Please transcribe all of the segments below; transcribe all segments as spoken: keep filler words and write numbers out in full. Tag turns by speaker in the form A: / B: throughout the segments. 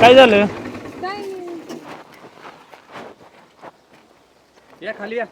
A: काय झालं?
B: काय नाही.
C: या खाली या.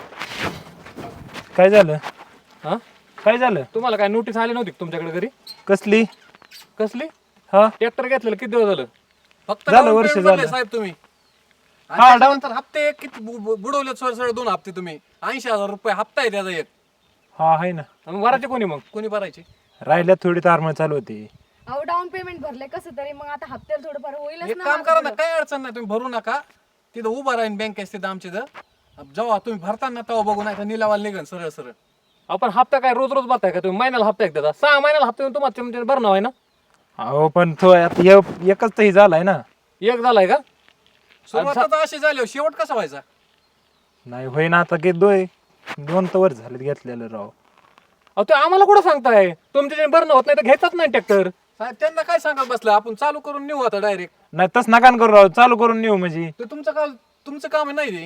A: काय झालं?
C: हा
A: काय झालं?
C: तुम्हाला काय नोटीस आली नव्हती का तुमच्याकडे घरी?
A: कसली?
C: कसली?
A: हा
C: ट्रॅक्टर घेतलेलं किती दिवस झालं? फक्त
A: झालं,
C: down
A: वर्ष
C: payment
A: झालं.
C: भरले साहेब तुम्ही.
A: हा,
C: हा
A: down-
C: डाऊन हप्ते किती बु- बु- बुडवले सर सर दोन हप्ते तुम्ही. ऐंशी हजार रुपये हप्ता आहे त्याचा एक.
A: हा आहे ना.
C: आणि भरायचे कोणी मग? कोणी भरायचे?
A: राहिल्यात थोडी तारमळ चालू होती.
B: अहो डाऊन पेमेंट भरले कसं तरी मग आता हप्त्याला थोडंफार होईलच
C: एक
B: ना
C: काम
B: माझं
C: करा ना,
B: थोडं.
C: काही अडचण नाही, तुम्ही भरू नका. तिथं उभा राहीन बँकेत तिथं आमच्या इथं. जेव्हा तुम्ही भरताना तेव्हा बघू, नाही तर निलावाला निघन सरळ सरळ. आपण हप्ता काय रोज रोज भरताय का तुम्ही? महिन्याला हप्ता एक देता? सहा महिन्याला हप्ता येऊन तुम्हाला तुमच्या भरणं आहे ना?
A: अहो पण तो आता य- एकच तर ही झालाय ना.
C: एक झालाय का? सुरुवात अशी झाली, शेवट कसा व्हायचा?
A: नाही होईना आता की दोय दोन तर वर झालेत घेतलेलं राव.
C: अहो ते आम्हाला कुठं सांगताय? तुमच्या जे भरणं होत नाही तर घेतात नाही ट्रॅक्टर. साहेब त्यांना काय सांगत बसलं? आपण चालू करून नेऊ आता डायरेक्ट.
A: नाही तस नका न करू राव, चालू करून नेऊ म्हणजे.
C: ते तुमचं काम, तुमचं काम आहे नाही ते.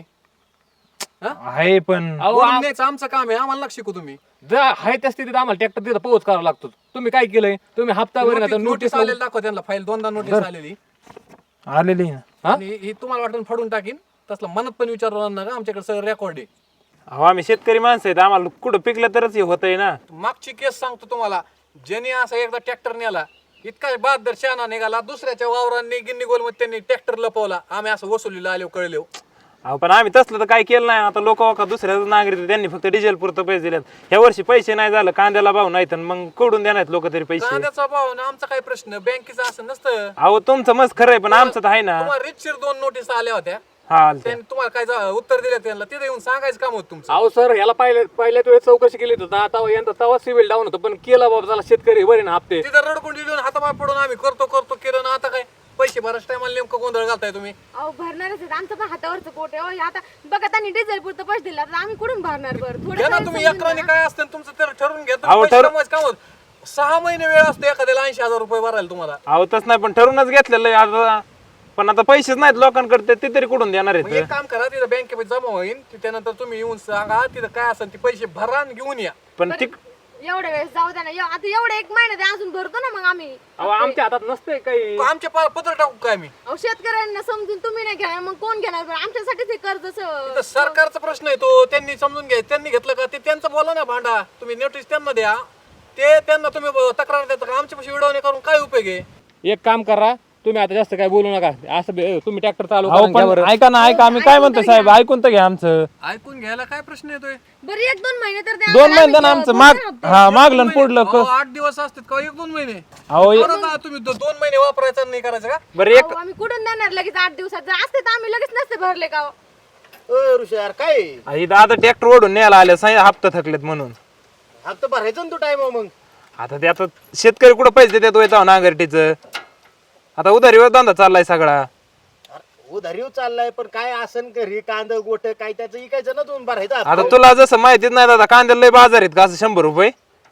A: आहे पण
C: अहो आम- न्यायचं आमचं काम आहे, आम्हाला नका शिकू तुम्ही. जर आहे त्या स्थितीत आम्हाला ट्रॅक्टर तिथं पोहोच करावा लागतो. तुम्ही काय केलंय? तुम्ही हप्तावर नोटीस
A: नोटीस
C: आलेली दाखवा त्यांना, फाईल दोनदा नोटीस आलेली.
A: आलेली ना.
C: आणि ही तुम्हाला वाटून फाडून टाकीन तसलं मनात पण विचारणार नका, आमच्याकडे सगळं रेकॉर्ड आहे.
A: अहो आम्ही शेतकरी माणसं आहेत, आम्हाला कुठं पिकलं तरच हे होतंय ना.
C: मागची केस सांगतो तुम्हाला, ज्यांनी असा एकदा ट्रॅक्टर नेला, इतका बहादर शहाणा निघाला, दुसऱ्याच्या वावरांनी गिन्नी गोलमध्ये त्यांनी ट्रॅक्टर लपवला. आम्ही असं वसुलीला आलो कळलो.
A: अहो पण आम्ही तसलं तर काय केलं नाही. आता लोक वाका दुसऱ्या नागरिक त्यांनी फक्त डिझेल पुरतं पैसे दिलेत. ह्या वर्षी पैसे नाही झालं, कांद्याला भाव नाही तर मग कडून देणार लोक तरी पैसे.
C: कांद्याचा भाव ना आमचा काय प्रश्न, बँकेचा असं नसतं.
A: अहो तुमचं मस्त खरं आहे पण आमचं तर आहे ना.
C: तुम्हाला रितशीर दोन नोटीस आल्या होत्या,
A: हा आलते.
C: त्यांनी तुम्हाला काय जा- उत्तर दिलं त्यांना, तिथे येऊन सांगायचं काम होतं तुमचं. अहो सर, ह्याला पहिल्या पहिल्याच वेळेस चौकशी केली होती, आता यंदा तवा सिव्हिल डाऊन होतं, पण केला बाबा झाला शेतकरी बरे ना हप्ते. तिथं रडकुंडी देऊन हातापाय पडून आम्ही करतो करतो केलं ना, आता काय पैसे भरायच्या टायमाला नेमकं गोंधळ घालताय तुम्ही.
B: अहो भरणारच आहेत, आमचं पण हातावरचं पोट आहे. अहो, आता बघा त्यांनी डिझेल पुरतं पैसे दिला तर आम्ही कुठून भरणार बरं? थोडं
C: घ्या ना
B: तरी
C: तुम्ही,
B: समजून
C: अकराने
B: घ्या.
C: काय असतं तुमचं तर ठरवून घ्या.
A: अहो,
C: तुम्ही पैसे
A: ठर-
C: कमवायचं काम होतं. सहा महिने वेळ असतो एखाद्याला ऐंशी हजार रुपये भरायला तुम्हाला.
A: अहो तस नाही पण ठरूनच घेतलेलं आहे आता. पण आता पैसेच नाहीत लोकांकडे, ते तरी कुठून देणार
C: मग
A: आहेत?
C: एक काम करा, तिथं बँकेमध्ये जमा होईल, ती त्यानंतर तुम्ही येऊन सांगा तिथं काय असेल ते पैसे भरा आणि घेऊन या.
A: पण ती
B: एवढ्या वेळेस जाऊ द्या ना. एव- आता एवढे एक महिना ते अजून भरतो ना मग आम्ही.
C: आमच्या हातात नसते काही. आमच्या पा- पत्र टाकू काय मी?
B: अहो शेतकऱ्यांना समजून तुम्ही नाही घेणार मग कोण घेणार बरं? आमच्यासाठीच हे कर्ज
C: इथं सरकारचा प्रश्न आहे तो, त्यांनी समजून घ्या. त्यांनी घेतलं का ते त्यांचं बोला ना भांडा. तुम्ही नोटीस त्यांना द्या, ते त्यांना तुम्ही ब- तक्रार देता का? आमच्या पैसे विडवणे करून काय उपयोग आहे? एक काम करा, तुम्ही आता जास्त काय बोलू नका. असं बे- तुम्ही ट्रॅक्टर चालू
A: अहो पण ऐका ना, ऐका आम्ही काय म्हणतो साहेब, ऐकून तर घ्या आमचं.
C: ऐकून घ्यायला काय प्रश्न येतोय?
B: बरं एक दोन महिने तर द्या
A: दोन
B: आम्हाला.
A: महिने
B: आम्ही
A: आमचं
B: भरणार
A: माग
B: हप्ते.
A: हा मागलं आणि पुढलं
C: अहो,
A: क-
C: आठ दिवस असतात का एक दोन महिने?
A: अहो एक-
C: बरं ना, तुम्ही दो- दोन महिने वापरायचा नाही करायचं का?
A: बरं एक
B: अहो, आम्ही कुठून देणार लगेच आठ दिवसात? जर असते तर आम्ही लगेच नसते भरले का?
D: ऋषार काय
A: आई दादा ट्रॅक्टर ओढून न्यायला आले साई हप्ता थकलेत म्हणून.
D: हप्ता भरायचा ना तू टाइम मग.
A: आता ते आता शेतकरी कुठं पैसे देतो येतो नांगरटीचं. आता उधारीवर धंदा चाललाय सगळा.
D: उधारीव चाललाय पण काय आसन घरी कांद गोट काय त्याचं इकायचं ना तुम्ही भरायचा
A: आता तुला जसं माहितीच नाही दादा, कांद्याला लय बाजार आहेत का असं शंभर रुपये.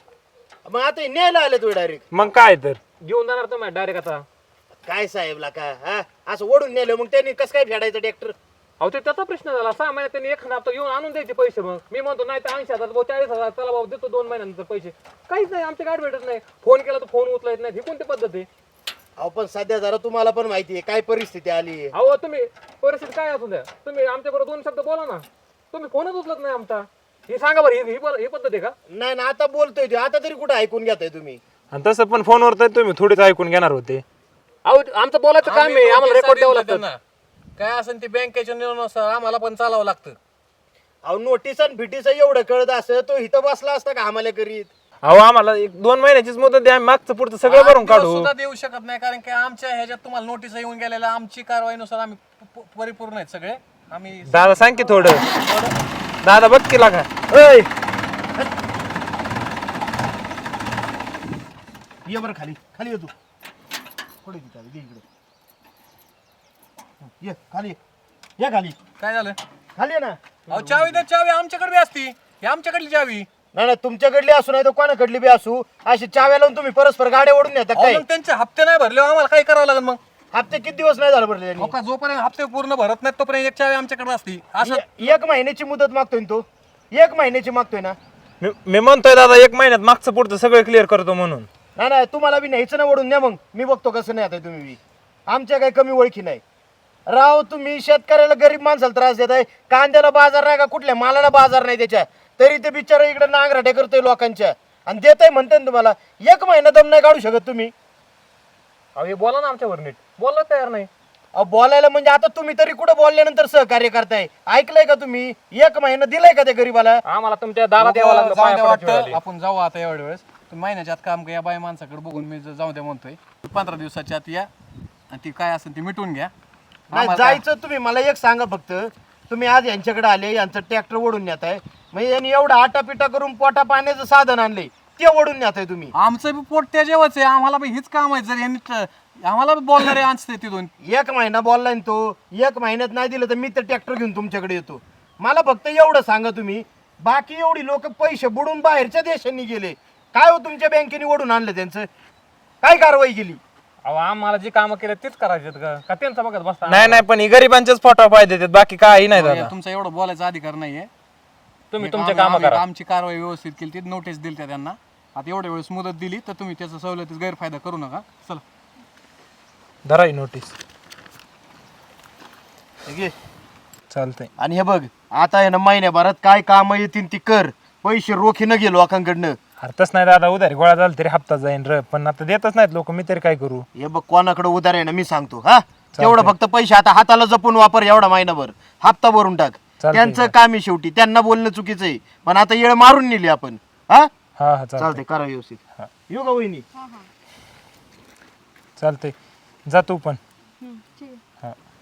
D: मग आता हे न्यायला आले तू डायरेक्ट.
A: मग काय तर
C: घेऊन जाणार तुम्ही डायरेक्ट आता?
D: काय साहेबला का हा असं ओढून नेलं मग त्यांनी कसं काय फेडायचं ट्रॅक्टर?
C: अहो ते त्याचा प्रश्न झाला. सहा महिन्यात त्यांनी एखादा हप्ता घेऊन आणून द्यायचे पैसे. मग मी म्हणतो नाही तर ऐंशी हजार भाऊ चाळीस हजार चला भाऊ देतो दोन महिन्यानंतर पैसे. काहीच नाही, आमच्या गाडी भेटत नाही. फोन केला तर फोन उचलायत नाही. ही कोणती पद्धत आहे?
D: अहो पण सध्या जरा तुम्हाला पण माहिती आहे काय परिस्थिती आली आहे.
C: अहो तुम्ही परिस्थिती काय असू द्या, तुम्ही आमच्याबरोबर दोन शब्द बोला ना. तुम्ही फोनच उचलत नाही आमचा. हे सांगा बरं, ही- ही प- ही पद्धत आहे का?
D: नाही ना आता बोलतोय ते आता तरी कुठं ऐकून घेताय तुम्ही?
A: आणि तसं पण फोनवर तर तुम्ही थोडीच ऐकून घेणार होते.
C: अहो आमचं बोलायचं काम आहे, आम्हाला रेकॉर्ड द्यावं लागतं. काय असेल ते बँकेच्या निर्णयानुसार आम्हाला पण चालावं लागतं.
D: अहो नोटीस आणि फिटीस एवढं कळत असं तो इथं बसला असता का आम्हाला करीत?
A: अहो आम्हाला एक दोन महिन्याचीच मुदत द्या, आम्ही मागचं पुढचं सगळं भरून
C: आठ दिवस
A: काढू.
C: सुद्धा देऊ शकत नाही, कारण की आमच्या ह्याच्यात तुम्हाला नोटीस येऊन गेलेल्या आमची कारवाईनुसार आम्ही प- प- परिपूर्ण आहेत सगळे. आम्ही
A: दादा सांग की थोडं. दादा बघ की लागा. ऐ
D: ये बरं खाली खाली ये तू. पुढे की खाली, दे इकडे. ये खाली ये. ये खाली
C: काय झालं?
D: खाली ये ना.
C: अहो चावी द्या, चावी आमच्याकडे बी असती. ही आमच्याकडली चावी.
D: नाही नाही तुमच्याकडली असू नाही तर कोणाकडली बी असू, अशी चाव्या लावून तुम्ही परस्पर गाड्या ओढून येतात
C: अहो,
D: काय?
C: मग त्यांचे हप्ते नाही भरले आम्हाला काय करावं लागेल मग?
D: हप्ते किती दिवस नाही झालं भरले
C: अहो, का जोपर्यंत हप्ते पूर्ण भरत नाहीत तोपर्यंत एक चावी आमच्याकडे असती. असं
D: त्यांनी? एक महिन्याची मुदत मागतोय ना तो, एक महिन्याची मागतोय ना.
A: मी मी म्हणतोय दादा एक महिन्यात मागचं पुढचं सगळं क्लिअर करतो म्हणून.
D: नाही नाही तुम्हाला बी न्यायचं ना ओढून न्या, मग मी बघतो कसं नाही आता तुम्ही बी. आमच्या काही कमी ओळखी नाही. राव तुम्ही शेतकऱ्याला गरीब माणसाला त्रास देत आहे. कांद्याला बाजार नाही का, कुठल्या मालाला बाजार नाही त्याच्या, तरी ते बिचारा इकडे नांगराटे करतोय लोकांच्या आणि देत आहे म्हणते ना तुम्हाला. एक महिना दम नाही काढू शकत तुम्ही.
C: अहो हे बोला ना आमच्यावर नीट, बोलला तयार नाही.
D: अहो बोलायला म्हणजे आता तुम्ही तरी कुठं बोलल्यानंतर सहकार्य करताय? ऐकलंय का तुम्ही? एक महिना दिलाय का त्या गरीबाला?
C: आम्हाला तुमच्या दारात यावं लागलं,
E: जाऊ
C: पाया
E: द्या
C: पडायची वेळ
E: वाटतं
C: आली.
E: आपण जाऊ आता एवढ्या वेळेस. तुम्ही महिन्याच्या आत काम या बाई माणसाकडे बघून मी जाऊ द्या म्हणतोय. पंधरा दिवसाच्या आत या आणि ती काय असेल ती मिटून घ्या.
D: नाही जायचं तुम्ही. मला एक सांगा फक्त, तुम्ही आज यांच्याकडे आले, यांचं ट्रॅक्टर ओढून नेत आहे, म्हणजे यांनी एवढं आटापिटा करून पोटा पाण्याचं साधन आणलंय ते ओढून नेत आहे तुम्ही.
E: आमचं बी पोट त्या जेवच आहे, आम्हाला बी हीच काम आहे. जर यांनी ट- आम्हाला बी बोलणारे आणते तिथून.
D: एक महिना बोललाय ना तो, एक महिन्यात नाही दिलं तर मी तर ट्रॅक्टर घेऊन तुमच्याकडे येतो. मला फक्त एवढं सांगा तुम्ही, बाकी एवढी लोक पैसे बुडून बाहेरच्या देशांनी गेले, काय हो तुमच्या बँकेने ओढून आणलं त्यांचं? काय कारवाई केली?
C: अहो आम्हाला जी कामं केली तीच करायची का का त्यांचं बघत बसता?
A: नाही नाही, पण ही गरिबांचेच फोटो पाहिजे देतात, बाकी काही नाही दादा.
E: तुमचा एवढं बोलायचा अधिकार नाहीये.
C: तुम्ही
E: एक
C: तुमचे
E: आम्ही-
C: कामं
E: आम्ही
C: करा.
E: आमची कारवाई व्यवस्थित केली, ती नोटीस दिली त्या त्यांना. आता एवढ्या वेळेस मुदत दिली तर तुम्ही त्याचा सवलतीचा गैरफायदा करू नका. चला
A: धरा ही नोटीस.
D: ठीक आहे?
A: चालतंय.
D: आणि हे बघ, आता आहे ना महिन्याभरात काय काम येतील ती कर, पैसे रोखी न गेलो लोकांकडनं.
A: हरतच नाही दादा, उधारी गोळा झाला तरी हप्ता जाईन र, पण आता देतच नाहीत लोक, मी तरी काय करू?
D: हे बघ, कोणाकडे उधार आहे ना मी सांगतो. हा तेवढं फक्त पैसे आता हाताला जपून वापर, एवढा महिनाभर हप्ता भरून टाक.
A: चालतंय.
D: त्यांचं काम आहे शेवटी, त्यांना बोलणं चुकीचं आहे, पण आता येळ मारून नेली आपण. हा
A: हा हा चालतंय
D: चालते, करा व्यवस्थित.
A: हा.
D: येऊ का वहिनी?
B: हा हा
A: चालतंय, जा तू पण.
B: हम्म, ठीक आहे.
A: हा.